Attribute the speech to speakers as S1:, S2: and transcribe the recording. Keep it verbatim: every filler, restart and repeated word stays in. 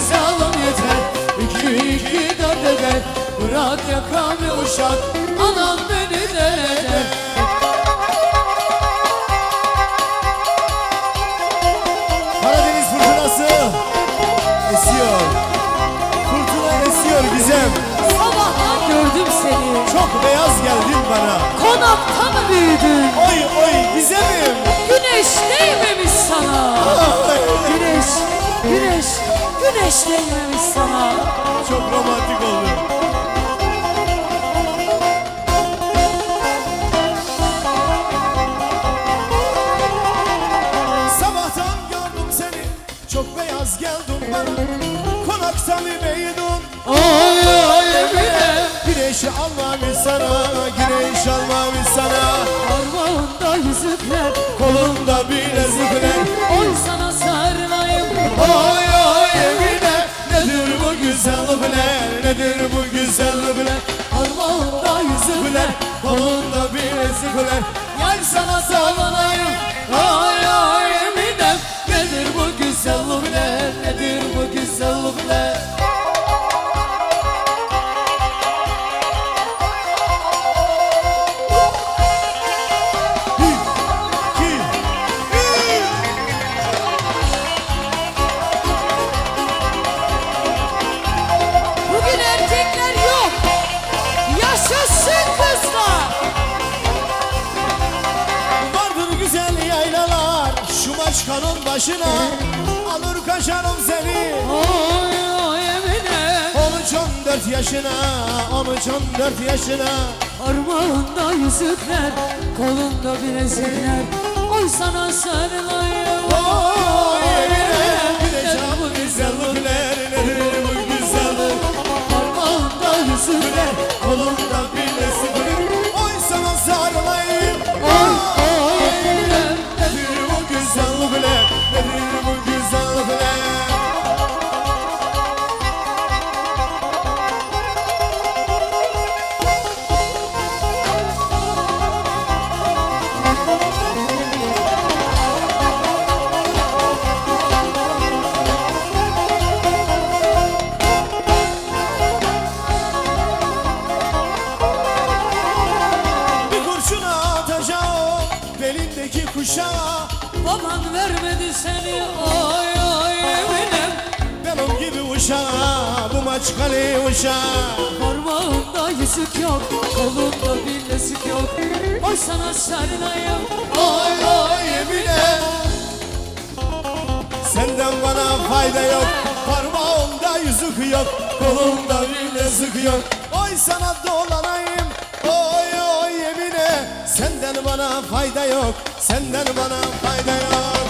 S1: güzelim yeter. İki iki dört eder. Bırak yakamı uşak, anam beni deli eder.
S2: Karadeniz fırtınası esiyor. Fırtına esiyor Gizem.
S1: Sabahtan gördüm seni,
S2: Çok beyaz geldin bana.
S1: konakta mı büyüdün?
S2: Oy oy Gizem'im.
S1: Güneş değmemiş sana. Güneş, güneş, güneş değmemiş sana.
S2: Çok romantik oldu. Sabahtan gördüm seni, çok beyaz geldin bana. Konakta mı büyüdün?
S1: Ay ay Emine,
S2: Güneşi almamış sana, güneş almamış sana.
S1: parmağında yüzükler,
S2: Kolunda bilezikler.
S1: oy sana sarılayım.
S2: Ay ay Emine, nedir bu güzellikler, nedir bu güzellikler?
S1: Parmağında yüzükler,
S2: Kolunda bilezikler.
S1: yar sana sallanayım. Ay ay Emine, nedir bu güzellikler, nedir bu güzellikler?
S2: İki, üç.
S1: Bugün erkekler yok, yaşasın kızlar.
S2: Vardır güzel yaylalar şu maçkanın başına. Alır kaşarım seni
S1: Ay ay Emine,
S2: on üç on dört yaşına, on üç on dört yaşına.
S1: parmağında yüzükler, kolunda bilezikler, oy sana sarılayım.
S2: Oy Emine, güneş bu güzellikler, nedir bu güzellik?
S1: Parmağında yüzükler,
S2: Kolumda bilezikler. Oy sana sarılayım.
S1: ay ay Emine,
S2: Nedir bu güzellikler, nedir bu güzellikler? Bir kurşuna atacağım belindeki kuşağa.
S1: baban vermedi seni. Ay ay Emine,
S2: Benim gibi uşağa, bu maçkali uşağa.
S1: parmağında yüzük yok, kolunda bilezik yok, oy sana sarılayım.
S2: Ay ay Emine, senden bana fayda yok. Parmağımda yüzük yok, kolumda bilezik yok. Oy sana dolanayım, oy oy Emine. Senden bana fayda yok, senden bana fayda yok.